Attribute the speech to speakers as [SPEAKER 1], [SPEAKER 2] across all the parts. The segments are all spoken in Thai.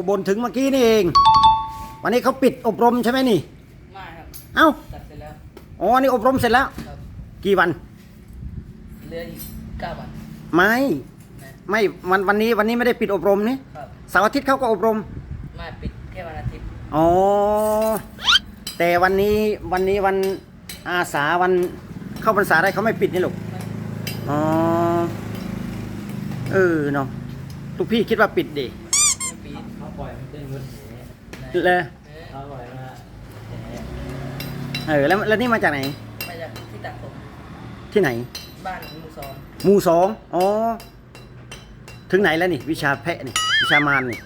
[SPEAKER 1] บ่นถึงเมื่อกี้นี่เองวันนี้เขาปิดอบรมใช่ไหมนี่
[SPEAKER 2] ไม่ครับ
[SPEAKER 1] เอ้า
[SPEAKER 2] ตัดเสร็จแล้ว
[SPEAKER 1] อ๋อนี่อบรมเสร็จแล้ว
[SPEAKER 2] ครับ
[SPEAKER 1] กี่วัน
[SPEAKER 2] เหลืออีก9 วัน
[SPEAKER 1] ไม่วันนี้ไม่ได้ปิดอบรมนี่
[SPEAKER 2] ครับ
[SPEAKER 1] เสาร์อาทิตย์เขาก็อบรม
[SPEAKER 2] ไม่ปิดแค่วันอาทิตย์
[SPEAKER 1] อ๋อแต่วันนี้วันอาสาวันเข้าพรรษาอะไรเขาไม่ปิดนี่ลูกอ๋อเนาะทุกพี่คิดว่าปิดดิ
[SPEAKER 2] ไม่ปิด
[SPEAKER 3] เขาปล่อยมันเป็นรถแห่
[SPEAKER 1] เลย
[SPEAKER 3] เขาปล่อยมา
[SPEAKER 1] แล้วนี่มาจากไหน
[SPEAKER 2] มาจากที่ตัดผม
[SPEAKER 1] ที่ไหน
[SPEAKER 2] บ้านหมู่2
[SPEAKER 1] หมู่2อ๋อถึงไหนแล้วนี่วิชาแพะนี่วิชามารนี่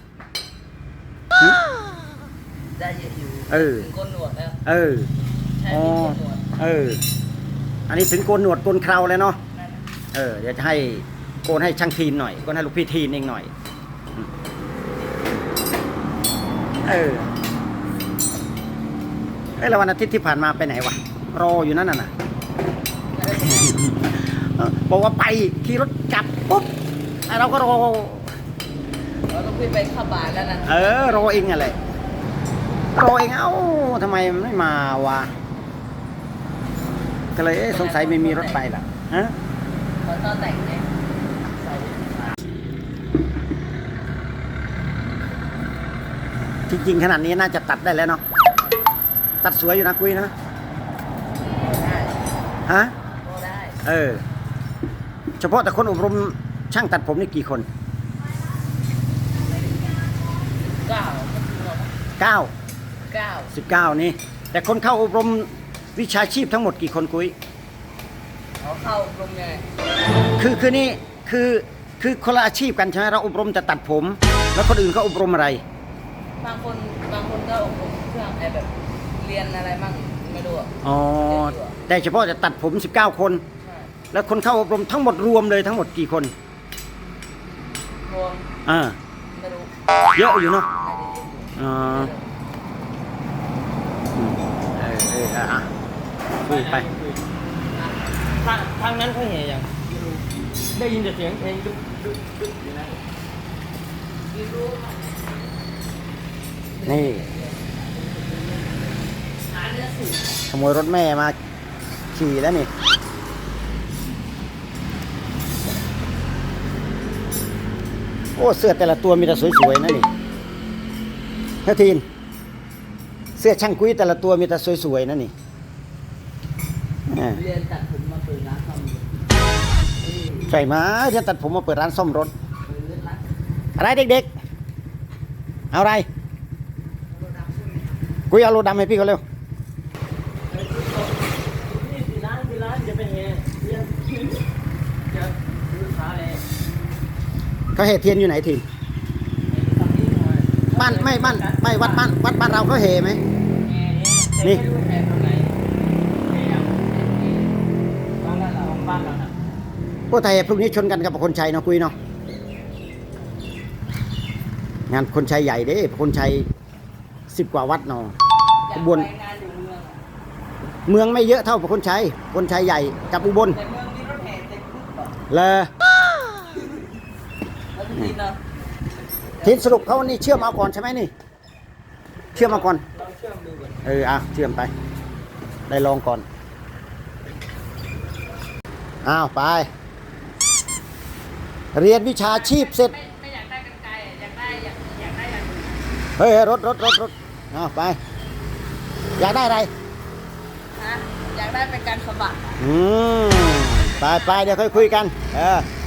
[SPEAKER 2] ได้เยอะอยู่ถึงโกนหนวดแล้วใช่มีโกนหนวด
[SPEAKER 1] อันนี้ถึงโกนหนวดโกนเคราแล้วเนาะเดี๋ยวจะให้โกนให้ช่างทีนหน่อยโกนให้ลูกพี่ทีนเองหน่อยแล้ววันอาทิตย์ที่ผ่านมาไปไหนวะรออยู่นั่นน่ะบอกว่าไปขี่รถกลับปุ๊บเราก็รอ
[SPEAKER 2] เราต้องไปเข้าบ้านแล้วนะ
[SPEAKER 1] รอเองอะไรรอเองเอ้าทำไมไม่มาวะก็เลยสงสัยไม่มีรถไปล่ะฮะ
[SPEAKER 2] ตอนแต่งเนี่ย
[SPEAKER 1] จริงๆขนาดนี้น่าจะตัดได้แล้วเนาะตัดสวยอยู่นะกุ้ยนะ
[SPEAKER 2] ได้
[SPEAKER 1] ฮะ
[SPEAKER 2] ได้
[SPEAKER 1] เฉพาะแต่คนอบรมช่างตัดผมนี่กี่คน19นี่แต่คนเข้าอบรมวิชาชีพทั้งหมดกี่คนกุ้ย
[SPEAKER 2] เขาเข้าอบรมไง
[SPEAKER 1] คือนี่คือคนละอาชีพกันใช่ไหมเราอบรมจะตัดผมแล้วคนอื่นเขาอบรมอะไร
[SPEAKER 2] บางคนก็อบรมเครื่องแบบเรียนอะไรมั่งไม่รู้
[SPEAKER 1] อ๋อแต่เฉพาะจะตัดผม19คนแล้วคนเข้าอบรมทั้งหมดรวมเลยทั้งหมดกี่คน
[SPEAKER 2] รวมไม่รู้
[SPEAKER 1] เยอะอยู่เนาะคุยไป
[SPEAKER 3] ทางนั้นเขาเห็นอย่างได้ยินแต่เสียงเพลงดุ๊กอยู่นะ
[SPEAKER 1] นี่ขโมยรถแม่มาขี่แล้วนี่โอ้เสื้อแต่ละตัวมีแต่สวยๆนะนี่เฮ้ยทีนเสื้อช่างกุ้ยแต่ละตัวมีแต่สวยๆนะนี่
[SPEAKER 2] เรียนตัดผมมาเปิดร้านซ่อมรถ
[SPEAKER 1] ใช่ไหมเรียนตัดผมมาเปิดร้านซ่อมรถอะไรเด็กๆเอาอะไรกุ้ยเอาโลดำให้พี่เขาเร็ว
[SPEAKER 3] ร้านจะเป็นไง
[SPEAKER 1] เขาแห่เทียนอยู่ไหนทีนบ้านไม่วัดบ้านเราเขาแห่ไหมนี่พวกไทยพรุ่งนี้ชนกันกับคนชัยเนาะคุยเนาะงานคนชัยใหญ่เด้คนชัย10 กว่าวัดเนาะอุบลเมืองไม่เยอะเท่าคนชัยใหญ่กับอุบล
[SPEAKER 2] แต่เมืองมีรถแห่เต็ม
[SPEAKER 1] เลยทีนสรุปเขานี่เชื่อมเอาก่อนใช่ไหมนี่เชื่อมเอาก่อน
[SPEAKER 2] เชื่อมดูก่อน
[SPEAKER 1] เชื่อมไปได้ลองก่อนไปเรียนวิชาชีพเสร็จ
[SPEAKER 2] ไม่อยากได้กันไกลอยากได้อย่าง
[SPEAKER 1] เฮ้ยรถไปอยากได้อะไร
[SPEAKER 2] อยากได้เป็นการสะบัด
[SPEAKER 1] ไปเดี๋ยวค่อยคุยกัน